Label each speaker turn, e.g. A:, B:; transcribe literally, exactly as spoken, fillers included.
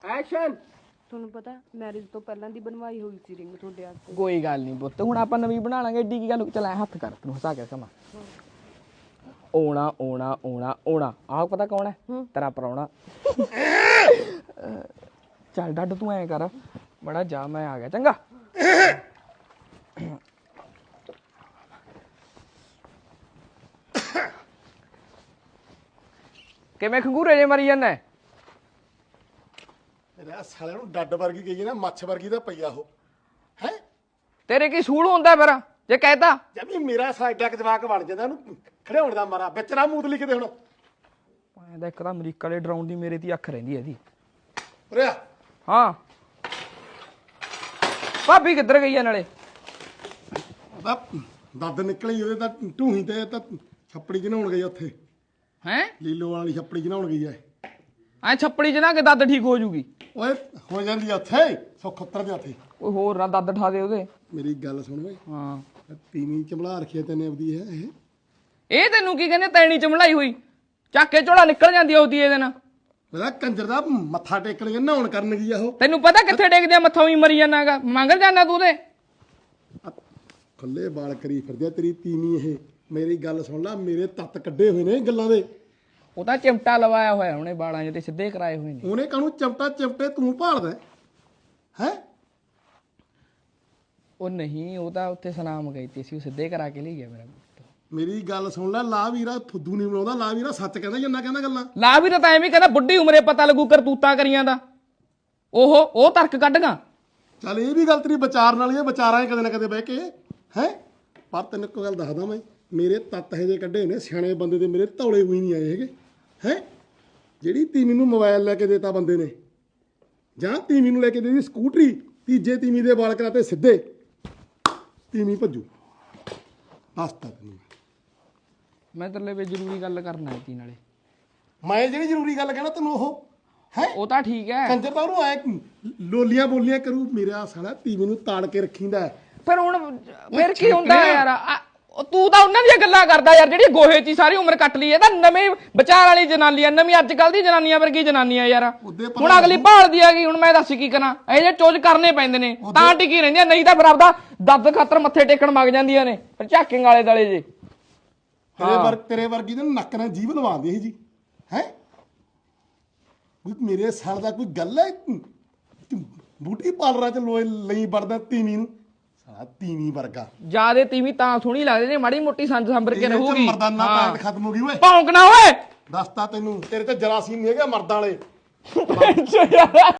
A: Action.
B: ਤੁਹਾਨੂੰ ਪਤਾ marriage ਤੋਂ ਪਹਿਲਾਂ ਦੀ ਬਣਵਾਈ ਹੋਈ ਸੀ ਰਿੰਗ ਤੁਹਾਡੇ ਵਾਸਤੇ।
C: ਕੋਈ ਗੱਲ ਨਹੀਂ ਪੁੱਤ, ਹੁਣ ਆਪਾਂ ਨਵੀਂ ਬਣਾ ਲਾਂਗੇ। ਏਡੀ ਕੀ ਗੱਲ, ਚੱਲ ਐ ਹੱਥ ਕਰ, ਤੈਨੂੰ ਹਸਾ ਕੇ ਕਮਾ। ਓਣਾ ਓਣਾ ਓਣਾ ਓਣਾ, ਆਹ ਪਤਾ ਕੌਣ ਹੈ? ਤੇਰਾ ਪ੍ਰਾਹੁਣਾ। ਚੱਲ ਡੱਡ ਤੂੰ ਐਂ ਕਰ ਬੜਾ ਜਾ, ਮੈਂ ਆ ਗਿਆ, ਚੰਗਾ। ਕਿਵੇਂ ਖੰਗੂਰੇ ਜੇ ਮਰੀ ਜਾਂਦਾ?
A: ਤੇਰੇ ਸਾਲੇ ਨੂੰ ਡੱਡ ਵਰਗੀ ਗਈ ਨਾ, ਮੱਛ ਵਰਗੀ ਦਾ ਪਈਆ ਉਹ ਹੈ।
C: ਤੇਰੇ ਕੀ ਸੂਲ ਹੁੰਦਾ ਫਿਰ ਜੇ ਕਹਿਤਾ?
A: ਜਮੀ ਮੇਰਾ ਸਾਈਡਾ ਕ ਜਵਾਕ ਬਣ ਜਾਂਦਾ, ਉਹਨੂੰ ਖੜਿਆਉਣ ਦਾ ਮਾਰਾ ਵਿੱਚ ਨਾ ਮੂਤ ਲਿਖਦੇ ਹੁਣ।
C: ਐਂਦਾ ਇੱਕ ਤਾਂ ਅਮਰੀਕਾ ਵਾਲੇ ਡਰਾਉਣ ਦੀ ਮੇਰੇ ਤੇ ਅੱਖ ਰਹਿੰਦੀ ਇਹਦੀ।
A: ਉਰੇ ਆ।
C: ਹਾਂ ਭਾਬੀ ਕਿੱਧਰ ਗਈ ਆ ਨਾਲੇ?
A: ਉਹਦਾ ਦੰਦ ਨਿਕਲੀ ਉਹਦੇ ਤਾਂ ਢੂਹੀ ਤੇ, ਤਾਂ ਛੱਪੜੀ ਚ ਨਹਾਉਣ ਗਈ ਉੱਥੇ।
C: ਹੈਂ
A: ਲੀਲੋ ਵਾਲੀ ਛੱਪੜੀ ਚ ਨਹਾਉਣ ਗਈ ਐ।
C: ਐ ਛੱਪੜੀ ਚ ਨਾ ਕਿ ਦੱਦ ਠੀਕ ਹੋ ਜੂਗੀ।
A: ਓਏ ਹੋ ਜਾਂਦੀ ਆ ਉੱਥੇ, ਸੁੱਖ ਉੱਤਰ ਦੇ ਉੱਥੇ।
C: ਕੋਈ ਹੋਰ ਨਾ ਦੱਦ ਠਾ ਦੇ ਉਹਦੇ।
A: ਮੇਰੀ ਗੱਲ ਸੁਣ ਓਏ,
C: ਹਾਂ
A: ਤੀਵੀਂ ਚਮਲਾ ਰੱਖੀ ਤੈਨੇ ਆਪਦੀ ਹੈ ਇਹ।
C: ਇਹ ਤੈਨੂੰ ਕੀ ਕਹਿੰਦੇ? ਤੈਣੀ ਚਮਲਾਈ ਹੋਈ ਚੱਕ ਕੇ ਝੋਲਾ ਨਿਕਲ ਜਾਂਦੀ ਉਹਦੀ ਇਹਦੇ ਨਾਲ।
A: ਉਹਦਾ ਕੰਜਰ ਦਾ ਮੱਥਾ ਟੇਕਣ ਗਿਆ, ਨਹਾਉਣ ਕਰਨ ਗਈ ਆ ਉਹ।
C: ਤੈਨੂੰ ਪਤਾ ਕਿੱਥੇ ਡੇਗਦੇ ਆ ਮੱਥਾ ਹੀ ਮਰੀ ਜਾਣਾਗਾ, ਮੰਗਲ ਜਾਣਾ ਤੂੰ ਉਹਦੇ।
A: ਖੁੱਲੇ ਵਾਲ ਕਰੀ ਫਿਰਦੇ ਆ ਤੇਰੀ ਤੀਵੀਂ ਇਹ। ਮੇਰੀ ਗੱਲ ਸੁਣ ਲੈ, ਮੇਰੇ ਤੱਤ ਕੱਢੇ ਹੋਏ ਨੇ ਗੱਲਾਂ ਦੇ।
C: ਉਹ ਤਾਂ ਚਿਮਟਾ ਲਵਾਇਆ ਹੋਇਆ ਉਹਨੇ ਬਾਲਾਂ 'ਚ ਤੇ ਸਿੱਧੇ ਕਰਾਏ ਹੋਏ ਨੇ।
A: ਉਹਨੇ ਕਾਹਨੂੰ ਚਮਟਾ ਚਮਟੇ ਤੂੰ ਭਾਲਦਾ ਹੈ?
C: ਉਹ ਨਹੀਂ, ਉਹ ਤਾਂ ਉੱਥੇ ਸਨਾਮ ਗਈ ਤੇ ਸੀ, ਉਹ ਸਿੱਧੇ ਕਰਾ ਕੇ ਲਈ ਗਿਆ ਮੇਰਾ।
A: ਮੇਰੀ ਗੱਲ ਸੁਣ ਲੈ, ਲਾ ਵੀਰਾ ਫੁੱਦੂ ਨਹੀਂ ਬਣਾਉਂਦਾ, ਲਾ ਵੀਰਾ ਸੱਚ ਕਹਿੰਦਾ ਜੰਨਾ ਕਹਿੰਦਾ ਗੱਲਾਂ।
C: ਲਾ ਵੀ ਤਾਂ ਐਵੇਂ ਕਹਿੰਦਾ ਬੁੱਢੀ ਉਮਰੇ ਪਤਾ ਲੱਗੂ ਕਰਤੂਤਾਂ ਕਰੀਆਂ ਦਾ। ਉਹ ਉਹ ਤਰਕ ਕੱਢਗਾ।
A: ਚੱਲ ਇਹ ਵੀ ਗੱਲ ਤੇਰੀ ਵਿਚਾਰ ਨਾਲ ਹੀ ਹੈ, ਵਿਚਾਰਾਂ ਕਦੇ ਨਾ ਕਦੇ ਬਹਿ ਕੇ ਹੈ। ਪਰ ਤੈਨੂੰ ਇੱਕ ਗੱਲ ਦੱਸਦਾ ਮੈਂ, ਮੇਰੇ ਤੱਤ ਇਹੋ ਜਿਹੇ ਕੱਢੇ ਨੇ ਸਿਆਣੇ ਬੰਦੇ ਦੇ, ਮੇਰੇ ਧੌਲੇ ਹੋਈ ਨਹੀਂ ਆਏ ਹੈਗੇ ਹੈ। ਜਿਹੜੀ ਤੀਵੀਂ ਨੂੰ ਮੋਬਾਈਲ ਲੈ ਕੇ ਦੇਤਾ ਬੰਦੇ ਨੇ, ਜਾਂ ਤੀਵੀਂ ਨੂੰ ਲੈ ਕੇ ਦੇ ਦਿੱਤੀ ਸਕੂਟਰੀ, ਤੀਜੇ ਤੀਵੀਂ ਦੇ ਵਾਲ ਕਰਾਤੇ ਸਿੱਧੇ, ਤੀਵੀਂ ਭੱਜੂ। ਦੱਸਤਾ ਤੈਨੂੰ
C: ਮੈਂ ਤੇਰੇ ਲਈ ਜ਼ਰੂਰੀ ਗੱਲ ਕਰਨਾ ਸੀ ਨਾਲੇ।
A: ਮੈਂ ਜਿਹੜੀ ਜ਼ਰੂਰੀ ਗੱਲ ਕਹਿਣਾ ਤੈਨੂੰ ਉਹ ਹੈ।
C: ਉਹ ਤਾਂ ਠੀਕ ਹੈ,
A: ਕੰਜਰ ਤਾਂ ਉਹਨੂੰ ਐ ਲੋਲੀਆਂ ਬੋਲੀਆਂ ਕਰੂ। ਮੇਰਾ ਸਾਲਾ ਤੀਵੀਂ ਨੂੰ ਤਾੜ ਕੇ ਰੱਖੀਂਦਾ।
C: ਫਿਰ ਹੁਣ ਫਿਰ ਕੀ ਹੁੰਦਾ ਯਾਰ? ਆ- ਉਹ ਤੂੰ ਤਾਂ ਉਹਨਾਂ ਦੀਆਂ ਗੱਲਾਂ ਕਰਦਾ ਯਾਰ, ਜਿਹੜੀ ਗੋਹੇ 'ਚ ਹੀ ਸਾਰੀ ਉਮਰ ਕੱਟ ਲਈ। ਇਹ ਤਾਂ ਨਵੇਂ ਵਿਚਾਰ ਵਾਲੀ ਜਨਾਨੀ ਆ, ਨਵੀਂ ਅੱਜ ਕੱਲ ਦੀ ਜਨਾਨੀਆਂ ਵਰਗੀ ਜਨਾਨੀ ਆ ਯਾਰ। ਹੁਣ ਅਗਲੀ ਭਾਲਦੀ ਆ ਗਈ, ਹੁਣ ਮੈਂ ਦੱਸ ਕੀ ਕਰਾਂ? ਇਹ ਜੇ ਚੋਜ ਕਰਨੇ ਪੈਂਦੇ ਨੇ ਤਾਂ ਟਿਕੀ ਰਹਿੰਦੀਆਂ, ਨਹੀਂ ਤਾਂ ਫਿਰ ਆਪਦਾ ਦੱਦ ਖਾਤਰ ਮੱਥੇ ਟੇਕਣ ਮਗ ਜਾਂਦੀਆਂ ਨੇ ਫਿਰ ਝਾਕਿੰਗ ਵਾਲੇ ਦਲੇ ਜੇ।
A: ਤੇਰੇ ਵਰ ਤੇਰੇ ਵਰਗੀ ਦੇ ਨੱਕ ਨਾਲ ਜੀਭ ਲਵਾਉਂਦੀ ਸੀ ਜੀ ਹੈ। ਮੇਰੇ ਸਾਲ ਦਾ ਕੋਈ ਗੱਲ ਹੈ? ਬੂਟੀ ਪਾਲਰਾਂ ਚ ਲੋਏ ਲਈ ਵੜਦਾ ਤੀਵੀਂ ਨੂੰ, ਸਾਲਾ ਤੀਵੀਂ ਵਰਗਾ।
C: ਜਿਆਦੇ ਤੀਵੀਂ ਤਾਂ ਸੋਹਣੀ ਲੱਗਦੀ ਨੇ, ਮਾੜੀ ਮੋਟੀ ਸੰਜ ਸੰਭਰ ਕੇ ਰਹੂਗੀ।
A: ਮਰਦਾਨਾ ਤਾਂ ਖਤਮ ਹੋ ਗਈ ਓਏ।
C: ਭੌਂਕਣਾ ਓਏ।
A: ਦੱਸਤਾ ਤੈਨੂੰ, ਤੇਰੇ ਤੇ ਜਰਾਸੀਮ ਨਹੀਂ ਹੈਗੇ ਮਰਦਾਂ ਵਾਲੇ।